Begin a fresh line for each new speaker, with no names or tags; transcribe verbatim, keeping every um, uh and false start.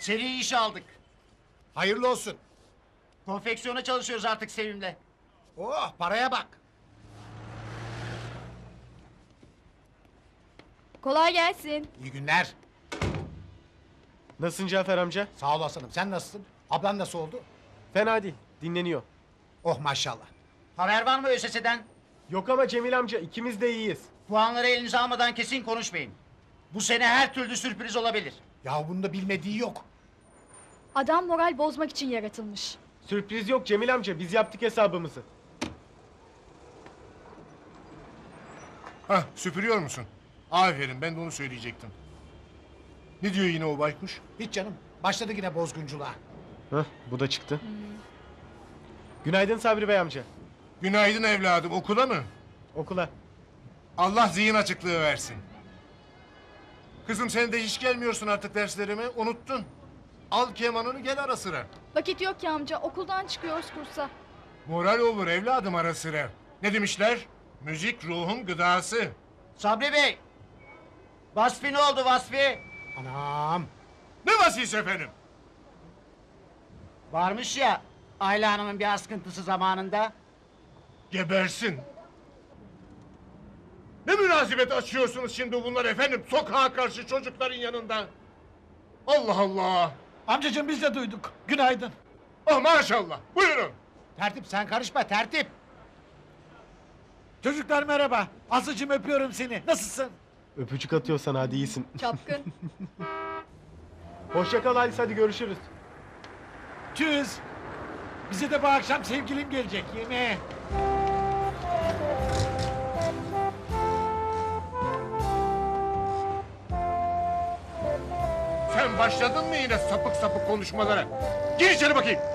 Seri iş aldık.
Hayırlı olsun.
Konfeksiyona çalışıyoruz artık Sevim'le.
Oh, paraya bak.
Kolay gelsin.
İyi günler.
Nasılsın Cafer amca?
Sağ ol aslanım. Sen nasılsın? Ablan nasıl oldu?
Fena değil, dinleniyor.
Oh maşallah.
Haber var mı ÖSS'den?
Yok ama Cemil amca ikimiz de iyiyiz.
Puanları elinize almadan kesin konuşmayın. Bu sene her türlü sürpriz olabilir.
Ya bunda bilmediği yok.
Adam moral bozmak için yaratılmış.
Sürpriz yok Cemil amca, biz yaptık hesabımızı.
Hah, süpürüyor musun? Aferin, ben de onu söyleyecektim. Ne diyor yine o baykuş?
Hiç canım. Başladı yine bozgunculuğa.
Hah, bu da çıktı. Günaydın Sabri Bey amca.
Günaydın evladım, okula mı?
Okula.
Allah zihin açıklığı versin. Kızım sen de hiç gelmiyorsun artık derslerime, unuttun. Al kemanını gel ara sıra.
Vakit yok ki amca, okuldan çıkıyoruz kursa.
Moral olur evladım ara sıra. Ne demişler? Müzik ruhun gıdası.
Sabri Bey! Vasfi ne oldu Vasfi?
Anam.
Ne vasisi efendim?
Varmış ya Ayla Hanım'ın bir askıntısı zamanında.
Gebersin. Ne münasebet açıyorsunuz şimdi bunlar efendim? Sokağa karşı çocukların yanında. Allah Allah.
Amcacığım biz de duyduk. Günaydın.
Oh maşallah. Buyurun.
Tertip sen karışma tertip.
Çocuklar merhaba. Aslıcığım öpüyorum seni. Nasılsın?
Öpücük atıyorsan hadi iyisin.
Çapkın.
Hoşça kal Halis, hadi görüşürüz.
Tschüss. Bize de bu akşam sevgilim gelecek yemeğe.
Sen başladın mı yine sapık sapık konuşmalara? Gir içeri bakayım.